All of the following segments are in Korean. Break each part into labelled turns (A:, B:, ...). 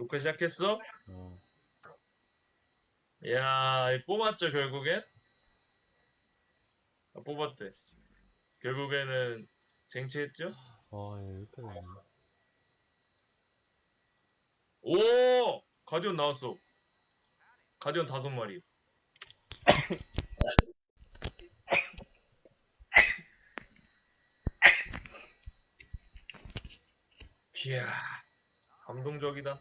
A: 녹화 시작했어?
B: 어.
A: 야, 뽑았죠, 결국엔? 아, 뽑았대. 결국에는 쟁취했죠?
B: 이렇게 되네.
A: 오! 가디언 나왔어. 가디언 5마리. 이야, 감동적이다.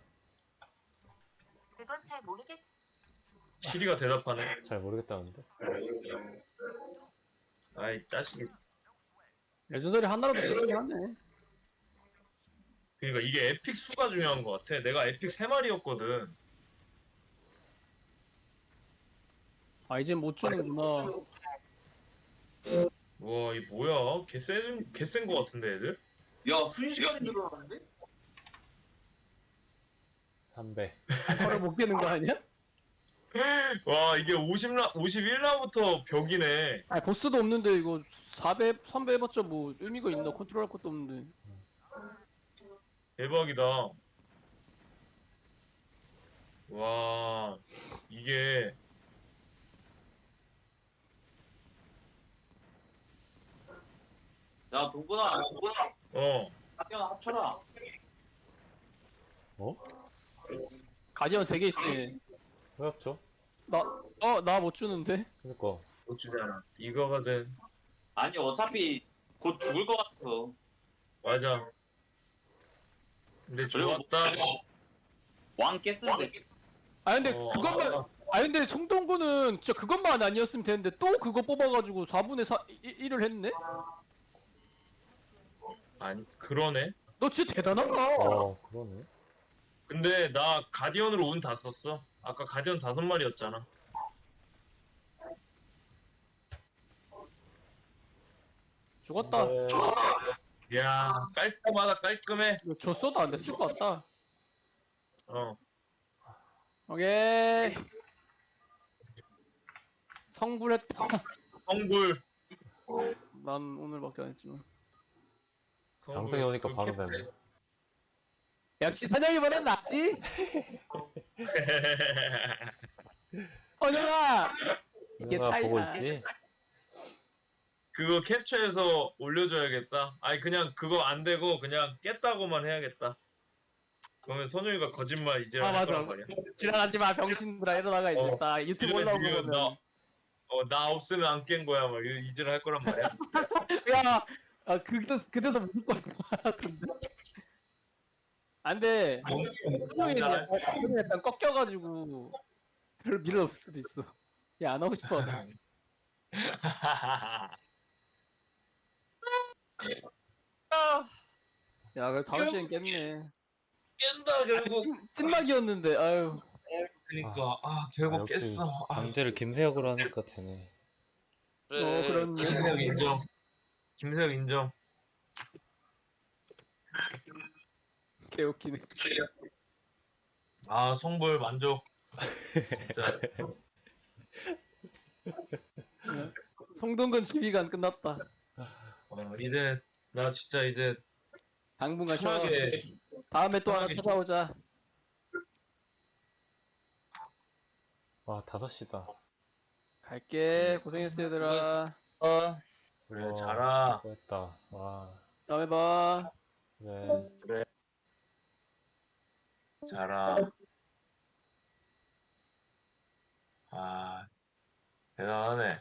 C: 그건 잘 모르겠.
A: 시리가 대답하네.
B: 잘 모르겠다는데.
A: 아이, 짜식이.
D: 레전더리 하나라도 되긴 하네.
A: 그러니까 이게 에픽 수가 중요한 것 같아. 내가 에픽 3마리였거든.
D: 아 이제 못 주는구나.
A: 와, 이 뭐야? 개센 것 같은데, 애들?
E: 야, 순식간에 늘어나는데?
B: 3배.
D: 바로 못 깨는 거 아니야?
A: 와, 이게 51라부터 벽이네.
D: 아 보스도 없는데 이거 4배, 3배 해봤자 뭐 의미가 있나? 컨트롤할 것도 없는데.
A: 대박이다. 와, 이게
E: 야, 동근아,
A: 어,
E: 학교 합쳐라.
B: 어?
D: 가디언 3개 있어.
B: 왜 없죠?
D: 나 못 주는데.
B: 그니까.
A: 못 주잖아. 이거거든.
E: 아니, 어차피 곧 죽을 것 같아서.
A: 맞아. 근데
E: 그리고
A: 좋았다.
E: 왕 깼는데.
D: 아 근데
A: 어,
D: 그것만. 아 근데 송동구는 진짜 그것만 아니었으면 되는데 또 그거 뽑아가지고 4분의 1을 했네?
A: 아니, 그러네.
D: 너 진짜 대단하다.
B: 그러네.
A: 근데 나 가디언으로 운 다 썼어. 아까 가디언 5마리였잖아.
D: 죽었다.
A: 이야, 깔끔하다, 깔끔해.
D: 이거 줬어도 안 됐을 것 같다.
A: 어,
D: 오케이. 성불했다.
A: 성불.
D: 난 오늘밖에 안 했지만.
B: 방송에 오니까
A: 그
B: 바로
A: 캡-
B: 되네.
D: 역시 선영이보다 낫지? 선영아! 이게
B: 누가 보고
D: 차이야.
B: 있지?
A: 그거 캡처해서 올려줘야겠다. 아니, 그냥 그거 안 되고 그냥 깼다고만 해야겠다. 그러면 선우이가 거짓말 이제
D: 아
A: 할
D: 맞아.
A: 거란 말이야.
D: 지랄하지 마 병신들아 이러다가 이제
A: 어.
D: 나 유튜브
A: 이러면
D: 올라오고
A: 니가
D: 보면
A: 나 없으면 안 깬 거야. 막 이질 할 거란 말이야.
D: 야! 아 그때서 무조건 할것 같은데 안돼 선영이 약간 꺾여가지고 별로 미련 없을 수도 있어 야 안 하고 싶어 야 그래 5시엔 깼네
A: 깬다 결국.
D: 찐막이었는데 아유
A: 그러니까 결국
B: 역시
A: 깼어.
B: 강제를 김세혁으로 하니까 되네.
D: 그런
A: 김세혁 인정. 김세혁 인정.
D: 개웃기네
A: 성불 만족. 진짜.
D: 송동근 지휘관 끝났다
A: 이제 나 진짜 이제
D: 당분간 쉬어
A: 편하게
D: 다음에 또 하나
A: 편하게
D: 찾아오자
B: 5시다.
D: 갈게 고생했어 얘들아
A: 그래 자라.
B: 수고했다. 와.
D: 다음에 봐
B: 그래.
A: 자라. 대단하네.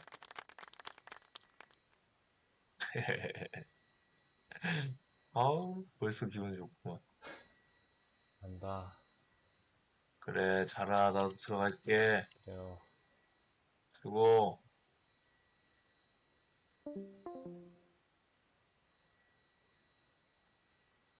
A: 벌써 기분 좋구만.
B: 간다.
A: 그래 자라. 나도 들어갈게.
B: 그래요.
A: 수고.